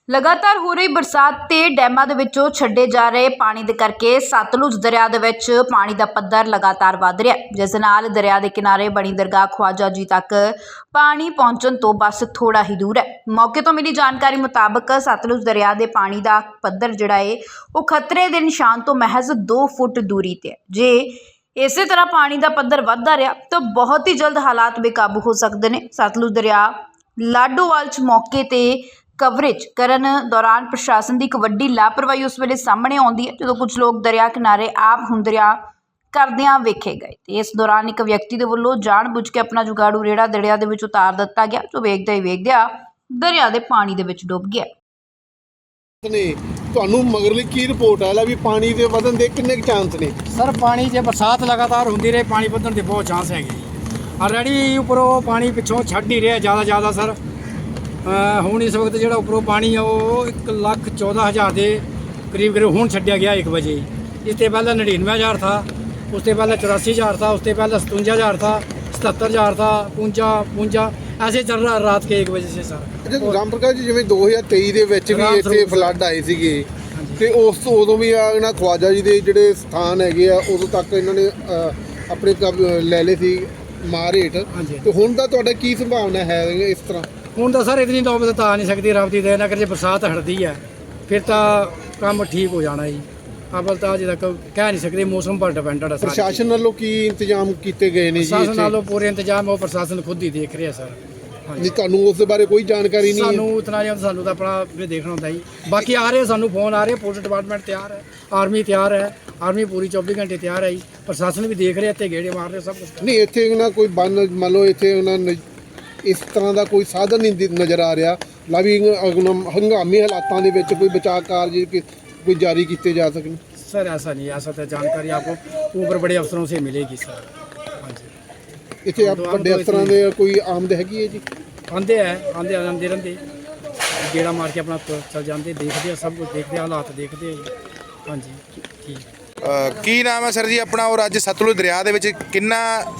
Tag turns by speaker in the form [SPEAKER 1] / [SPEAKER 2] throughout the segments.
[SPEAKER 1] लगातार हो रही बरसात ते डैमां दे विचों छड्डे जा रहे पानी दे करके सतलुज दरिया दे विच पानी दा पद्धर लगातार वध रिहा है, जिस नाल दरिया दे किनारे बनी दरगाह ख्वाजा जी तक पानी पहुंचण तो बस थोड़ा ही दूर है। मौके तो मिली जानकारी मुताबक सतलुज दरिया दे पानी दा पद्धर जिहड़ा है वो खतरे दे निशान तो महज 2 फुट दूरी ते है। जे इसे तरह पानी का पद्धर वधदा रहा तो बहुत ही जल्द हालात बेकाबू हो सकते हैं। सतलुज दरिया लाडोवाल च मौके ते कवरेज करन दौरान प्रशासन की एक वड्डी लापरवाही उस वेले सामने आउंदी है, जो कुछ लोग दरिया किनारे आप हुंदरिया करदियां वेखे गए। ते इस दौरान एक व्यक्ति दे वल्लों जान बुझ के अपना जुगाड़ू रेड़ा दरिया दे विच उतार दिता गया, जो वेखदे ही वेखदिया दरिया दे पानी दे विच डुੱਬ गया।
[SPEAKER 2] ने ਤੁਹਾਨੂੰ ਮਗਰਲੀ ਕੀ ਰਿਪੋਰਟ ਆਇਆ ਵੀ ਪਾਣੀ ਦੇ ਵਧਣ ਦੇ ਕਿੰਨੇ ਚਾਂਸ ਨੇ?
[SPEAKER 3] सर पानी जे बरसात लगातार होंदी रहे पानी ਵਧਣ ਦੇ बहुत चांस हैगे। ऑलरेडी उपरों पानी पिछों छੱਡ ही रहा ज़्यादा सर। ਹੁਣ इस वक्त जो उपरों पानी है वो 1,14,000 के करीब हूँ छड्या गया 1 बजे। इससे पहले 99,000 था, उससे पहले 84,000 था, उससे पहले 57,000 था, 77,000 था, 55 ऐसे चल रहा रात के 1 बजे से सर।
[SPEAKER 2] ਰਾਮ ਪ੍ਰਕਾਸ਼ ਜੀ ਜਿਵੇਂ 2023 ਦੇ ਵਿੱਚ ਵੀ ਇੱਥੇ ਫਲੱਡ ਆਏ ਸੀਗੇ ਤੇ ਉਸ ਤੋਂ ਉਦੋਂ ਵੀ ਇਹਨਾਂ ਖਵਾਜਾ ਜੀ ਦੇ ਜਿਹੜੇ ਸਥਾਨ ਹੈਗੇ ਆ ਉਦੋਂ ਤੱਕ ਇਹਨਾਂ ਨੇ ਆਪਣੇ ਲੈ ਲਏ ਸੀ ਮਾਰ ਹੇਠ। ਤੇ ਹੁਣ ਦਾ ਤੁਹਾਡਾ ਕੀ ਸੰਭਾਵਨਾ ਹੈ ਇਸ ਤਰ੍ਹਾਂ?
[SPEAKER 3] ਹੁਣ ਤਾਂ ਸਰ ਇਤਨੀ ਨੌਬਤ ਤਾਂ ਆ ਨਹੀਂ ਸਕਦੀ, ਰੱਬ ਦੀ ਦਇਆ ਨਾਲ। ਜੇ ਬਰਸਾਤ ਹਟਦੀ ਹੈ ਫਿਰ ਤਾਂ ਕੰਮ ਠੀਕ ਹੋ ਜਾਣਾ ਜੀ। ਅਵਲ ਤਾਂ ਅਜੇ ਤੱਕ ਕਹਿ ਨਹੀਂ ਸਕਦੇ, ਮੌਸਮ ਪਰ ਡਿਪੈਂਡਡ ਹੈ।
[SPEAKER 2] ਪ੍ਰਸ਼ਾਸਨ ਵੱਲੋਂ ਕੀ ਇੰਤਜ਼ਾਮ ਕੀਤੇ ਗਏ ਨੇ ਜੀ?
[SPEAKER 3] ਪ੍ਰਸ਼ਾਸਨ ਵੱਲੋਂ ਪੂਰੇ ਇੰਤਜ਼ਾਮ ਉਹ ਪ੍ਰਸ਼ਾਸਨ ਖੁਦ ਹੀ ਦੇਖ ਰਿਹਾ ਸਰ।
[SPEAKER 2] ਨਹੀਂ ਤੁਹਾਨੂੰ ਉਸ ਦੇ ਬਾਰੇ ਕੋਈ ਜਾਣਕਾਰੀ ਨਹੀਂ?
[SPEAKER 3] ਸਾਨੂੰ ਇਤਨਾ ਜਾਂ ਸਾਨੂੰ ਤਾਂ ਆਪਣਾ ਵੀ ਦੇਖਣਾ ਹੁੰਦਾ ਜੀ। ਬਾਕੀ ਆ ਰਹੇ ਸਾਨੂੰ ਫੋਨ ਆ ਰਹੇ, ਪੁਲਿਸ ਡਿਪਾਰਟਮੈਂਟ ਤਿਆਰ ਹੈ, ਆਰਮੀ ਤਿਆਰ ਹੈ, ਆਰਮੀ ਪੂਰੀ 24 ਘੰਟੇ ਤਿਆਰ ਹੈ ਜੀ। ਪ੍ਰਸ਼ਾਸਨ ਵੀ ਦੇਖ ਰਿਹਾ, ਇੱਥੇ ਗੇੜੇ ਮਾਰ ਰਹੇ, ਸਭ ਕੁਛ।
[SPEAKER 2] ਨਹੀਂ ਇੱਥੇ ਨਾ ਕੋਈ ਬੰਨ ਮੰਨ ਲਓ ਇੱਥੇ ਉਹਨਾਂ ਨੇ ਇਸ ਤਰ੍ਹਾਂ ਦਾ ਕੋਈ ਸਾਧਨ ਨਹੀਂ ਨਜ਼ਰ ਆ ਰਿਹਾ ਲਾ ਵੀ ਹੰਗਾਮੀ ਹਾਲਾਤਾਂ ਦੇ ਵਿੱਚ ਕੋਈ ਬਚਾਅ ਕਾਰਜ ਕੋਈ ਜਾਰੀ ਕੀਤੇ ਜਾ ਸਕਣ?
[SPEAKER 3] सर ऐसा नहीं, ऐसा तो जानकारी आपको ऊपर बड़े अफसरों से मिलेगी सर। हाँ जी,
[SPEAKER 2] ਇੱਥੇ ਵੱਡੇ ਅਫਸਰਾਂ ਦੇ ਕੋਈ ਆਮਦ ਹੈਗੀ ਹੈ ਜੀ?
[SPEAKER 3] आते रहते गेड़ा मार के अपना चल जाते, देखते हैं सब कुछ, देखते हालात देखते हैं। हाँ जी ठीक।
[SPEAKER 4] ਕੀ ਨਾਮ ਹੈ ਸਰ ਜੀ ਆਪਣਾ? ਔਰ ਅੱਜ ਸਤਲੁਜ ਦਰਿਆ ਦੇ ਵਿੱਚ ਕਿੰਨਾ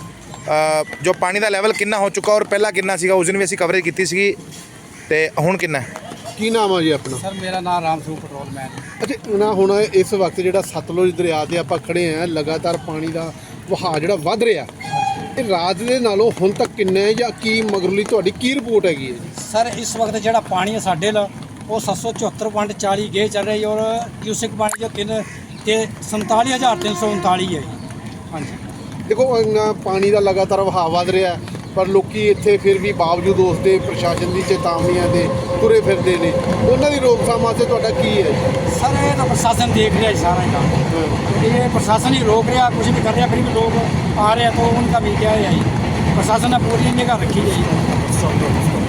[SPEAKER 4] ਜੋ ਪਾਣੀ ਦਾ ਲੈਵਲ ਕਿੰਨਾ ਹੋ ਚੁੱਕਾ ਔਰ ਪਹਿਲਾਂ ਕਿੰਨਾ ਸੀਗਾ? ਉਸ ਦਿਨ ਵੀ ਅਸੀਂ ਕਵਰੇਜ ਕੀਤੀ ਸੀਗੀ ਤੇ ਹੁਣ ਕਿੰਨਾ ਹੈ?
[SPEAKER 2] ਕੀ ਨਾਮ ਆ ਜੀ ਆਪਣਾ?
[SPEAKER 3] सर मेरा नाम राम स्वरूप पेट्रोलमैन।
[SPEAKER 2] ਅੱਛਾ ਨਾ ਹੁਣ ਇਸ ਵਕਤ ਜਿਹੜਾ ਸਤਲੁਜ ਦਰਿਆ ਤੇ ਆਪਾਂ ਖੜੇ ਆ, ਲਗਾਤਾਰ ਪਾਣੀ ਦਾ ਵਹਾਅ ਜਿਹੜਾ ਵੱਧ ਰਿਹਾ, ਇਹ ਰਾਤ ਦੇ ਨਾਲੋਂ ਹੁਣ ਤੱਕ ਕਿੰਨਾ ਹੈ ਜਾਂ ਕੀ ਮਗਰਲੀ ਤੁਹਾਡੀ ਕੀ ਰਿਪੋਰਟ ਹੈਗੀ ਹੈ ਜੀ?
[SPEAKER 3] सर इस वक्त जो पानी है साढ़े वो 774.40 गे चल रही है और क्यूसिक पानी जो 47,339 है। हाँ जी
[SPEAKER 2] ਦੇਖੋ ਇੰਨਾ ਪਾਣੀ ਦਾ ਲਗਾਤਾਰ ਵਹਾਅ ਵੱਧ ਰਿਹਾ, ਪਰ ਲੋਕੀ ਇੱਥੇ ਫਿਰ ਵੀ ਬਾਵਜੂਦ ਉਸ ਦੇ ਪ੍ਰਸ਼ਾਸਨ ਦੀ ਚੇਤਾਵਨੀਆਂ ਦੇ ਤੁਰੇ ਫਿਰਦੇ ਨੇ। ਉਹਨਾਂ ਦੀ ਰੋਕਥਾਮ ਵਾਸਤੇ ਤੁਹਾਡਾ ਕੀ ਹੈ?
[SPEAKER 3] सर ये तो प्रशासन देख रहा है सारा काम। ये प्रशासन ही रोक रहा, कुछ भी कर रहा, फिर भी लोग आ रहे हैं तो उनका भी क्या है, प्रशासन ने पूरी निगाह रखी है।